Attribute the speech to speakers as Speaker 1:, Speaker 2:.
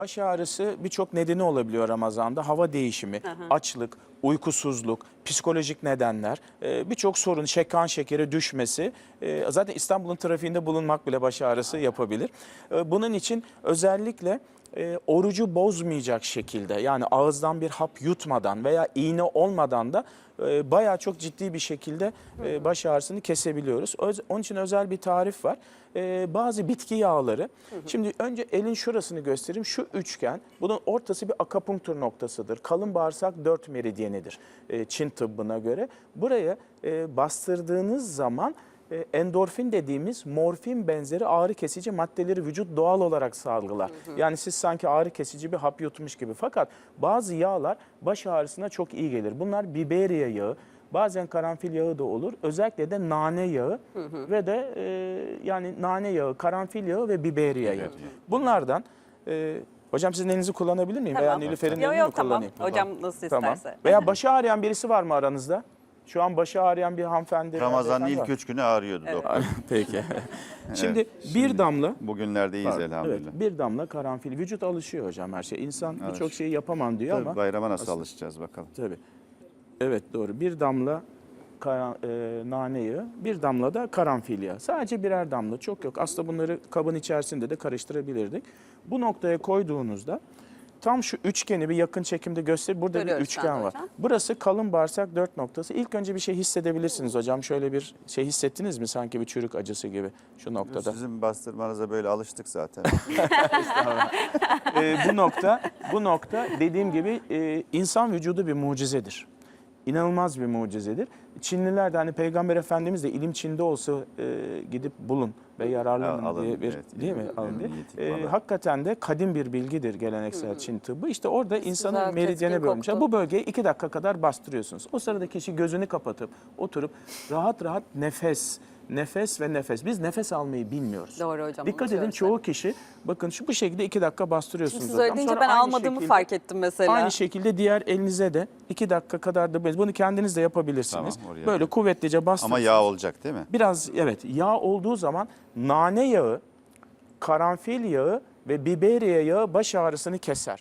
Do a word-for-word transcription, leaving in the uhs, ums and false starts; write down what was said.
Speaker 1: Baş ağrısı birçok nedeni olabiliyor Ramazan'da. Hava değişimi,
Speaker 2: Hı hı.
Speaker 1: açlık, uykusuzluk, psikolojik nedenler, e, birçok sorun, şek- kan şekeri düşmesi. e, Zaten İstanbul'un trafiğinde bulunmak bile baş ağrısı yapabilir. E, Bunun için özellikle e, orucu bozmayacak şekilde, yani ağızdan bir hap yutmadan veya iğne olmadan da e, bayağı çok ciddi bir şekilde e, baş ağrısını kesebiliyoruz. Öz- Onun için özel bir tarif var. E, bazı bitki yağları. Şimdi önce elin şurasını göstereyim. Şu üçgen, bunun ortası bir akupunktur noktasıdır. Kalın bağırsak dört meridyenidir e, Çin tıbbına göre. Buraya e, bastırdığınız zaman e, endorfin dediğimiz morfin benzeri ağrı kesici maddeleri vücut doğal olarak salgılar. Yani siz sanki ağrı kesici bir hap yutmuş gibi. Fakat bazı yağlar baş ağrısına çok iyi gelir. Bunlar biberiye yağı, bazen karanfil yağı da olur. Özellikle de nane yağı ve de e, yani nane yağı, karanfil yağı ve biberiye yağı. Bunlardan e, hocam sizin elinizi kullanabilir miyim? Veya
Speaker 2: Tamam.
Speaker 1: Nilüfer'in
Speaker 2: Yok
Speaker 1: elini
Speaker 2: yok
Speaker 1: mi
Speaker 2: tamam.
Speaker 1: kullanayım?
Speaker 2: Hocam nasıl
Speaker 1: Tamam.
Speaker 2: isterse.
Speaker 1: Veya başı ağrıyan birisi var mı aranızda? Şu an başı ağrıyan bir hanımefendi.
Speaker 3: Ramazan'ın
Speaker 1: beyefendi
Speaker 3: ilk
Speaker 1: var.
Speaker 3: üç günü ağrıyordu doktor.
Speaker 1: Peki. Şimdi
Speaker 3: Evet,
Speaker 1: bir damla
Speaker 3: Bugünlerde iyiyiz
Speaker 1: Pardon,
Speaker 3: elhamdülillah.
Speaker 1: evet, bir damla karanfil. Vücut alışıyor hocam her şey. İnsan birçok şeyi yapamam diyor
Speaker 3: Tabii
Speaker 1: ama.
Speaker 3: bayrama nasıl
Speaker 1: aslında-
Speaker 3: alışacağız bakalım.
Speaker 1: Tabii. Evet doğru. Bir damla kara- e, nane yağı, bir damla da karanfil yağı. Sadece birer damla, çok yok. Aslında bunları kabın içerisinde de karıştırabilirdik. Bu noktaya koyduğunuzda tam şu üçgeni bir yakın çekimde göster. Burada bir
Speaker 2: Görüyoruz şu
Speaker 1: üçgen
Speaker 2: anda
Speaker 1: var.
Speaker 2: hocam.
Speaker 1: Burası kalın bağırsak dört noktası. İlk önce bir şey hissedebilirsiniz hocam. Şöyle bir şey hissettiniz mi, sanki bir çürük acısı gibi şu noktada?
Speaker 3: Sizin bastırmanıza böyle alıştık zaten.
Speaker 1: Ee, bu nokta, bu nokta dediğim gibi e, insan vücudu bir mucizedir. İnanılmaz bir mucizedir. Çinliler de hani Peygamber Efendimiz de ilim Çin'de olsa e, gidip bulun ve yararlanın
Speaker 3: Alın,
Speaker 1: diye bir,
Speaker 3: evet.
Speaker 1: değil mi? Alın diye.
Speaker 3: Niyeti
Speaker 1: E,
Speaker 3: falan.
Speaker 1: hakikaten de kadim bir bilgidir geleneksel Çin tıbbı. İşte orada insanın
Speaker 2: güzel,
Speaker 1: meridyene
Speaker 2: keskin
Speaker 1: bölmüşler.
Speaker 2: koktu.
Speaker 1: Bu bölgeyi iki dakika kadar bastırıyorsunuz. O sırada kişi gözünü kapatıp oturup rahat rahat nefes, nefes ve nefes. Biz nefes almayı bilmiyoruz.
Speaker 2: Doğru hocam,
Speaker 1: Dikkat edin,
Speaker 2: unutuyoruz
Speaker 1: çoğu kişi bakın şu bu şekilde iki dakika bastırıyorsunuz.
Speaker 2: Siz
Speaker 1: hocam.
Speaker 2: öyle deyince
Speaker 1: Sonra
Speaker 2: ben
Speaker 1: aynı
Speaker 2: almadığımı
Speaker 1: şekilde-
Speaker 2: fark ettim mesela.
Speaker 1: Aynı şekilde diğer elinize de iki dakika kadar da bez. Bunu kendiniz de yapabilirsiniz.
Speaker 3: Tamam, oraya
Speaker 1: Böyle
Speaker 3: yapayım.
Speaker 1: kuvvetlice bastırın.
Speaker 3: Ama yağ olacak değil mi?
Speaker 1: Biraz evet, yağ olduğu zaman nane yağı, karanfil yağı ve biberiye yağı baş ağrısını keser.